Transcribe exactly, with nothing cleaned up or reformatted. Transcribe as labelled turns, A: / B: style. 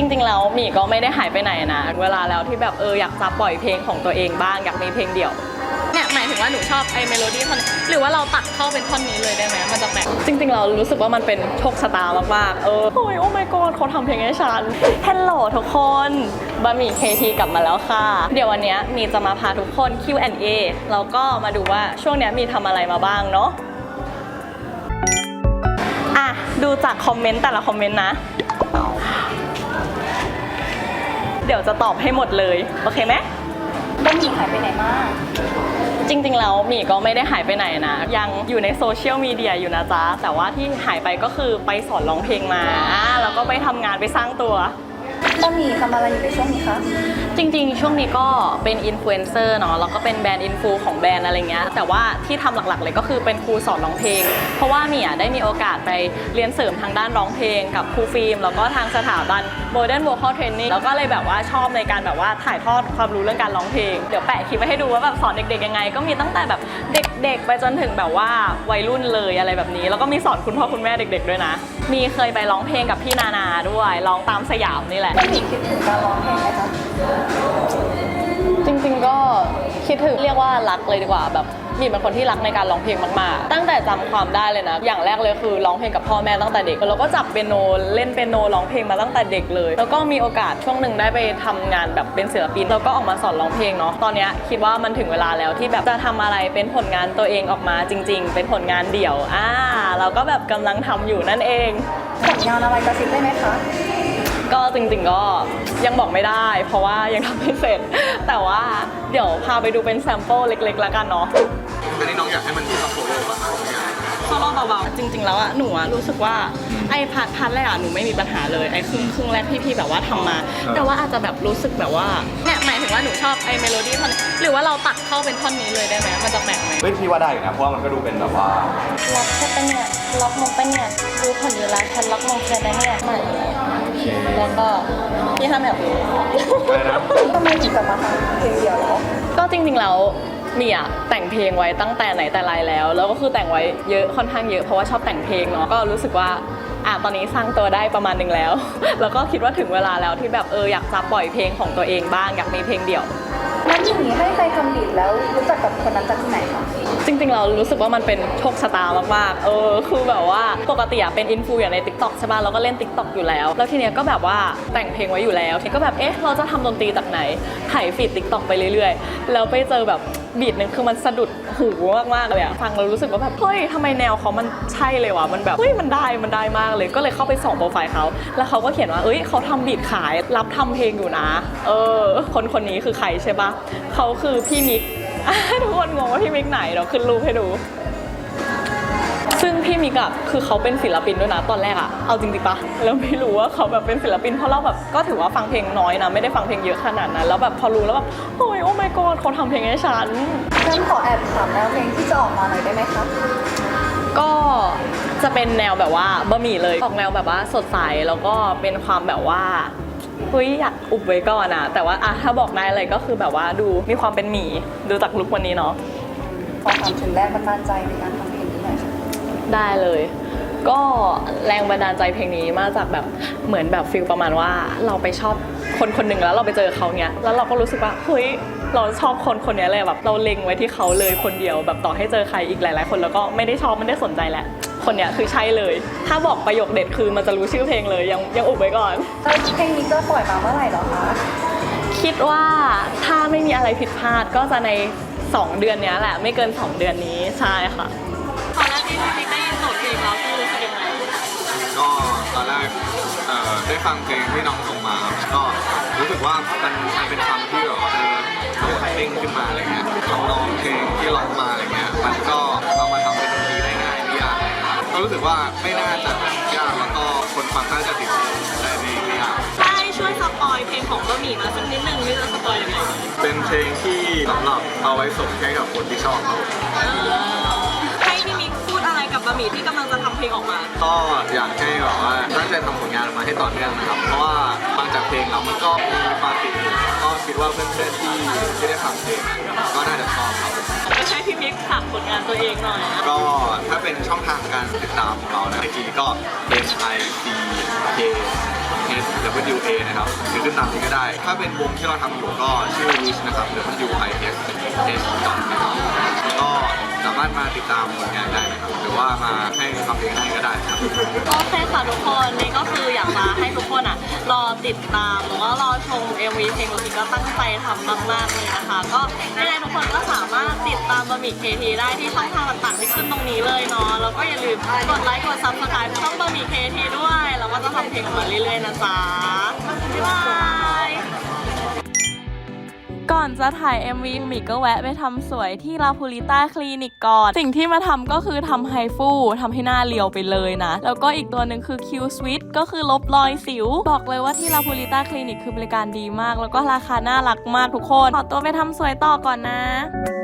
A: ริงๆแล้วหมี่ก็ไม่ได้หายไปไหนนะเวลาแล้วที่แบบเอออยากจะปล่อยเพลงของตัวเองบ้างอยากมีเพลงเดี่ยวเนี่ยหมายถึงว่าหนูชอบไอ้เมโลดี้ท่อนหรือว่าเราตัดเข้าเป็นท่อนนี้เลยได้ไหมมันจะแปลกจริงๆเรารู้สึกว่ามันเป็นโชคชะตามากๆเออโอ้ยโอ้ my god เขาทำเพลงให้ฉันฮัลโหลทุกคนบะหมี่ เค ที กลับมาแล้วค่ะเดี๋ยววันนี้มีจะมาพาทุกคน คิว แอนด์ เอ แล้วก็มาดูว่าช่วงนี้มีทำอะไรมาบ้างเนาะอ่ะดูจากคอมเมนต์แต่ละคอมเมนต์นะเดี๋ยวจะตอบให้หมดเลยโอเคไหมบะหมี่หายไปไหนมากจริงๆแล้วหมี่ก็ไม่ได้หายไปไหนนะยังอยู่ในโซเชียลมีเดียอยู่นะจ๊ะแต่ว่าที่หายไปก็คือไปสอนร้องเพลงมาแล้วก็ไปทำงานไปสร้างตัว
B: บะหมี่ทำอะไรอยู่ในช่วงนี้คะ
A: จริงๆช่วงนี้ก็เป็นอินฟลูเอนเซอร์เนาะแล้วก็เป็นแบรนด์อินฟูของแบรนด์อะไรเงี้ยแต่ว่าที่ทำหลักๆเลยก็คือเป็นครูสอนร้องเพลงเพราะว่าหมี่อ่ะได้มีโอกาสไปเรียนเสริมทางด้านร้องเพลงกับครูฟิล์มแล้วก็ทางสถาบัน Modern Vocal Training แล้วก็เลยแบบว่าชอบในการแบบว่าถ่ายทอดความรู้เรื่องการร้องเพลงเดี๋ยวแปะคลิปไว้ให้ดูว่าแบบสอนเด็กๆยังไงก็มีตั้งแต่แบบเด็กๆไปจนถึงแบบว่าวัยรุ่นเลยอะไรแบบนี้แล้วก็มีสอนคุณพ่อคุณแม่เด็กๆด้วยนะมีเคยไปร้องเพลงกับพี่นานาด้วยร้องตามสยามนี่แหละ
B: บะหมี่คิดถึงการร้องเพลงไหมคะ
A: จริงๆก็คิดถึงเรียกว่ารักเลยดีกว่าแบบมีเป็นคนที่รักในการร้องเพลงมากๆตั้งแต่จำความได้เลยนะอย่างแรกเลยคือร้องเพลงกับพ่อแม่ตั้งแต่เด็กแล้วก็จับเปียโนเล่นเปียโนร้องเพลงมาตั้งแต่เด็กเลยแล้วก็มีโอกาสช่วงหนึ่งได้ไปทำงานแบบเป็นศิลปินแล้วก็ออกมาสอนร้องเพลงเนาะตอนนี้คิดว่ามันถึงเวลาแล้วที่แบบจะทำอะไรเป็นผลงานตัวเองออกมาจริงๆเป็นผลงานเดี่ยวอ่าเราก็แบบกำลังทำอยู่นั่นเอง
B: ผลงานอะไรกระซิบได้ไหมคะ
A: ก็จริงๆก็ยังบอกไม่ได้เพราะว่ายังทำไม่เสร็จแต่ว่าเดี๋ยวพาไปดูเป็นแซมเปิลเล็กๆแล้วกันเนาะ
C: อันนี้น้องอยากให้มันมีโซโล่ป่ะคะ
A: โซโล่เบาๆจริงๆแล้วอะหนูอะรู้สึกว่าไอ้พาร์ทพาร์ทแรกอะหนูไม่มีปัญหาเลยไอ้ครึ่งครึ่งแรกที่พี่แบบว่าทำมาแต่ว่าอาจจะแบบรู้สึกแบบว่าเนี่ยหมายถึงว่าหนูชอบไอ้เมโลดี้ท่อนหรือว่าเราตัดเข้าเป็นท่อนนี้เลยได้ไหมมันจะแปลกไหม
C: ไม่พี่ว่าได้นะเพราะว่ามันก็ดูเป็นแบบว่า
B: ล็อกแค่ปะเนี่ยล็อกมงปะเนี่ยดูผลอยู่แล้วฉันล็อกมงแค่ปะเนี่ยใหม่
A: แล้วก็พี่ทำแบบนี้
B: ทำไมถึงกลับมาทำเพลงเดียวเหรอ
A: ก็จริงๆแล้วมีอะแต่งเพลงไว้ตั้งแต่ไหนแต่ไรแล้วแล้วก็คือแต่งไว้เยอะค่อนข้างเยอะเพราะว่าชอบแต่งเพลงเนาะก็รู้สึกว่าอ่ะตอนนี้สร้างตัวได้ประมาณนึงแล้วแล้วก็คิดว่าถึงเวลาแล้วที่แบบเอออยากจะปล่อยเพลงของตัวเองบ้างอยากมีเพลงเดี่ยว
B: แล้วอย่างนี้ให้ใครทำบีทแล้วรู้จักกับคนนั้นจากที่ไหนคะ
A: จริงๆเรารู้สึกว่ามันเป็นโชคชะตามากๆเออคือแบบว่าปกติอะเป็นอินฟูอย่างใน ติ๊กต็อก ใช่ป่ะเราก็เล่น ติ๊กต็อก อยู่แล้วแล้วทีเนี้ยก็แบบว่าแต่งเพลงไว้อยู่แล้วทีก็แบบเอ๊ะเราจะทำดนตรีจากไหนถ่ายฟีด ติ๊กต็อก ไปเรื่อยๆแล้วไปเจอแบบบีทนึงคือมันสะดุดหูมากๆเลยอะฟังเรารู้สึกว่าแบบเฮ้ยทำไมแนวเขามันใช่เลยวะมันแบบเฮ้ยมันได้มันได้มากเลยก็เลยเข้าไปส่องโปรไฟล์เขาแล้วเขาก็เขียนว่าเอ้ยเขาทำบีทขายรับทำเพลงอยู่นะเออคนคนนี้คือใครใช่ปะเขาคือพี่มิกทุกคนงงว่าพี่มิกไหนเราขึ้นรูปให้ดูซึ่งพี่มิกอะคือเขาเป็นศิลปินด้วยนะตอนแรกอะเอาจริงๆปะเราไม่รู้ว่าเขาแบบเป็นศิลปินเพราะเราแบบก็ถือว่าฟังเพลงน้อยนะไม่ได้ฟังเพลงเยอะขนาดนั้นแล้วแบบพอรู้แล้วแบบโอ้ยโอ้ my god เขาทำเพลงให้ฉัน
B: งั้นขอแอบถามแนวเพลงที่จะออกมาหน่อยได้ไหมคะ
A: ก็จะเป็นแนวแบบว่าบะหมี่เลยออกแนวแบบว่าสดใสแล้วก็เป็นความแบบว่าเฮ้ยอยากอุบไว้ก่อนอะแต่ว่าอะถ้าบอกได้อะไรก็คือแบบว่าดูมีความเป็นหมี่ดูจากลุควันนี้เนาะ
B: ขอถามถึงแรงบันดาลใจในการทำเพลงนี้หน่อยค่ะ
A: ได้เลยก็แรงบันดาลใจเพลงนี้มาจากแบบเหมือนแบบฟีลประมาณว่าเราไปชอบคนคนหนึ่งแล้วเราไปเจอเขาเนี้ยแล้วเราก็รู้สึกว่าเฮ้ยเราชอบคนคนนี้เลยแบบเราเล็งไว้ที่เขาเลยคนเดียวแบบต่อให้เจอใครอีกหลายๆคนแล้วก็ไม่ได้ชอบไม่ได้สนใจแหละคนเนี้ยคือใช่เลยถ้าบอกประโยคเด็ดคือมันจะรู้ชื่อเพลงเลยยังยังอุบไว้ก่อน
B: เพลงนี้จะปล่อยมาเมื่อไหร่หรอคะ
A: คิดว่าถ้าไม่มีอะไรผิดพลาดก็จะในสองเดือนนี้แหละไม่เกินสองเดือนนี้ใช่ค่ะตอนแรกที่พี่ได้ยินโจทย์เพลงเราคือรู้สึกยังไง
C: ก็ตอนแรกได้ฟังเพลงที่น้องส่งมาก็รู้สึกว่ามันมันเป็นคำที่แบบเออโดดเด้งขึ้นมาอะไรเงี้ยทำนองเพลงที่ร้องมาอะไรเงี้ยมันก็เอามาทำเป็นดนตรีได้ง่ายไม่ยากก็รู้สึกว่าไม่น่าจะยากแล้วก็คนฟังน่าจะติดได้ไม่ยาก
A: ได้ช่วยสปอยเพลงของบะหมี่มาสักนิดนึงนี่จะสปอยยังไง
C: เป็นเพลงที่สำหรับเอาไว้ส่งให้กับคนที่ชอบเขา
A: ให้พี่มิกพูดอะไรกับบะหมี่ที่กำลังจะทำเพลงออกมา
C: ก็อยากให้แบบว่าตั้งใจทำผลงานออกมาให้ต่อเนื่องนะครับเพราะว่าฟังจากเพลงแล้วมันก็มีความติดหูก็คิดว่าเพื่อนๆที่ที่ได้ฟังเพลงก็น่าจะชอบครับ
A: ก็ให้พี่มิกฝากผลงานตัวเองหน่อย
C: ก็ถ้าเป็นช่องทางการติดตามของเรานะไอจีก็ H I C K S W A นะครับหรือขึ้นตามนี้ก็ได้ ถ้าเป็นวงที่เราทำอยู่ก็ชื่อ Wish นะครับ W I S H นะครับก็สามารถมาติดตามผลงานได้นะครับหรือว่ามาให้คำเพลงให้ก็ได้ครับ
A: โอเคค่ะทุกคนนี่ก็คืออยากมาให้ทุกคนอ่ะรอติดตามหรือว่ารอชม เอ็ม วี เพลงของพี่ก็ตั้งใจทำมากๆเลยนะคะ ก็ยังไงทุกคนก็สามารถติดตามบะหมี่เคทีได้ที่ช่องทางต่างๆที่ขึ้นตรงนี้เลยเนาะแล้วก็อย่าลืมกดไลค์กดซับสไครป์ช่องบะหมี่เคทีด้วยแล้วก็จะทำเพลงออกมาเรื่อยๆนะจ๊ะบ๊ายบายก่อนจะถ่าย เอ็ม วี หมีก็แวะไปทำสวยที่ลาพูลิต้าคลินิกก่อน สิ่งที่มาทำก็คือทำไฮฟูทำให้หน้าเรียวไปเลยนะ แล้วก็อีกตัวหนึ่งคือ Q Switch ก็คือลบรอยสิว บอกเลยว่าที่ลาพูลิต้าคลินิกคือบริการดีมาก แล้วก็ราคาน่ารักมากทุกคน ขอตัวไปทำสวยต่อก่อนนะ